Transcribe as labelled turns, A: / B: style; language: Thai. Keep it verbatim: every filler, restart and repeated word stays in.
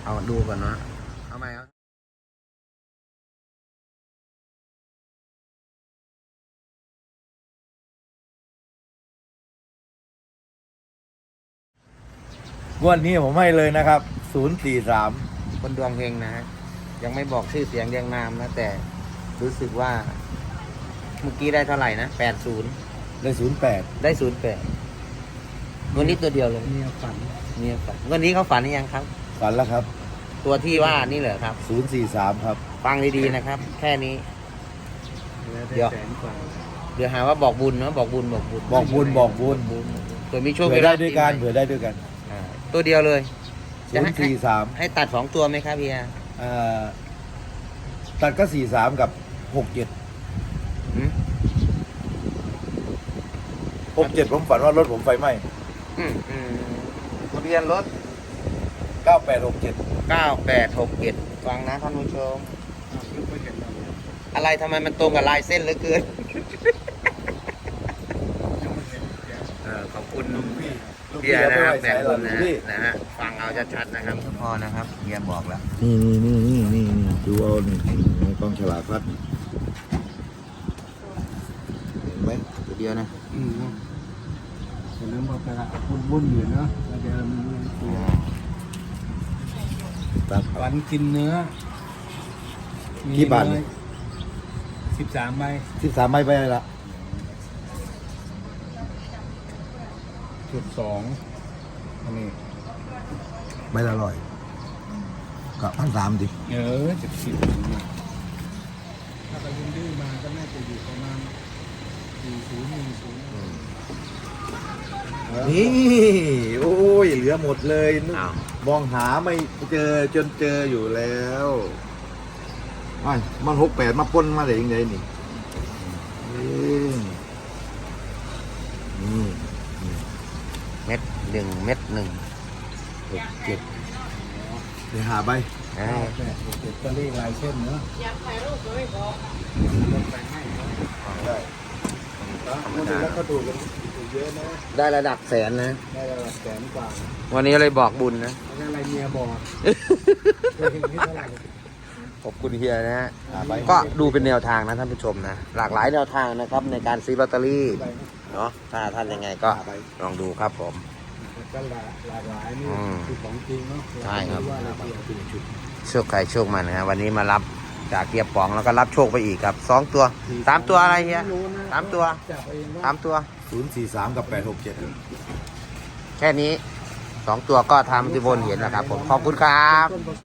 A: เอาดูก่อนนะเอาไหมครับ
B: งวดนี้ผมให้เลยนะครับศูนย์สี่สาม
A: คนดวงเฮงนะฮะยังไม่บอกชื่อเสียงเรียงนามนะแต่รู้สึกว่าเมื่อกี้ได้เท่าไหร่นะแปดศูนย์
B: ได้ศูนย์แปด
A: ได้ศูนย์แปดวันนี้ตัวเดียวเลย
C: เมียฝัน
A: เนี่ยฝันวันนี้เขาฝันหรือยังครับ
B: ฝันแล้วครับ
A: ตัวที่ว่านี่เหรอครับ
B: ศูนย์สี่สามครับ
A: ฟังดีๆนะครับ แค่นี้
C: แล้ว
A: เดี๋
C: ได้
A: ยว
C: แสนกว่า
A: เดี๋ยวหาว่าบอกบุญเนาะบอกบุญบอกบุญ
B: บอกบุญบอกบุญ
A: เผื่อมีโชค
B: เผื่อได้
A: ลาภ
B: ด้วยกัน
A: ปีใหม่
B: เผื่อได้ด้วยกัน
A: อ่าตัวเดียวเลย
B: ศูนย์สี่สาม
A: ให้ตัดสองตัวไหมครับพี่อา
B: อ่าตัดก็สี่สามกับหกเจ็ด
A: หืม
B: หกเจ็ดผมฝันว่ารถผมไฟไหม้
A: อืมอืมทะเบียนรถ
B: เก้าแปดหกเจ็ด
A: เก้าแปดหกเจ็ดฟังนะท่านผู้ชม
C: อ้าวนึกไม่เห็นเราเนี่ย
A: อะไรทำไมมันตรงกับลายเส้นเหลือเกิน
C: ยังไม่เห็นแก
A: เออขอบคุณ
B: ลูกพี่ลูก
A: เฮี
B: พี่
A: ย
B: เอา
A: นะ
B: ไป
A: ครับ
B: ไว้
A: แบ่
B: ใส่
A: ง
B: หลั
A: บุ
B: ง
A: ญนะ
B: พี่
A: นะฮะฟังเอาชัดๆนะครับพ่อนะครับเฮียบอกแล้ว
B: นี่นี่นี่นี่นี่นี่ดูเอานี่ในกองฉลากพัดเห็นไหม
A: ตัวเดียวนะ
C: อืมเห็นแล้วบอกกระบุญบุญอยู่เนาะแล้วเดี๋ยวมันมีตัว
B: ครับ
C: ฝันกินเนื้อ
B: กี่บาทนี่
C: สิบสามใบ
B: สิบสามใบไปเลยละ
C: จุดสองอันนี้
B: ใบละร้อยกับพันสามดิ
C: เออจุดสิบมาถ้าไปยืนดื้อมาก็น่าจะอยู่ประมาณสี่ศูนย์หนึ่งศูนย์
B: นี่โอ้ยเหลือหมดเลยนึก
A: อ้าว
B: มองหาไม่เจอจนเจออยู่แล้วไอ้มันหกแปดมาปนมาได้ยังไงนี่เอ้ยนี่
A: เม็ดหนึ่งเม็ดหนึ่ง
B: หกเจ็ดเดี๋ยวหาใบ
A: อ่า
C: เก้าแปดหกเจ็ดก็เลขลายเส้นเนาะอยากถ่ายรูปก็ไม่บอกลงไปให้เนาะ
B: ได้พูดถึงแล้วก็ดูกันเยอะนะ
A: ได้ระดับแสนนะ
C: ได้ระดับแสนกว่า
A: วันนี้เลยบอกบุญนะ
C: แล้วอะไรเมียบอกเคยเห็นที่เท่าไหร่
A: ขอบคุณเฮียนะฮะ
B: หาใบ
A: ก็ดูเป็นแนวทางนะท่านผู้ชมนะ หลากหลายแนวทางนะครับในการซื้อลอตเตอรี่
C: ใบนะ
A: เนาะถ้าท่านยังไงก็
B: หาใบ
A: ลองดูครับผม
C: ก็หลากหลากหลายนี่
A: อืม
C: คือของจริงเนาะ
A: ใช่ครับ
C: ว่าอะไรเกี่ยวกับชุด
A: โชคใครโชคมันนะฮะวันนี้มารับจากเกียร์ป๋องแล้วก็รับโชคไปอีกครับสองตัวสามตัวอะไรเฮีย
C: ไม่รู้นะ
A: สามตัว
C: จับเองว่า
A: สามตัว
B: ศูนย์สี่สามกับแปดหกเจ็ด
A: แค่นี้สองตัวก็ทำที่บนเห็นแล้วครับผมขอบคุณครับ
C: ต้น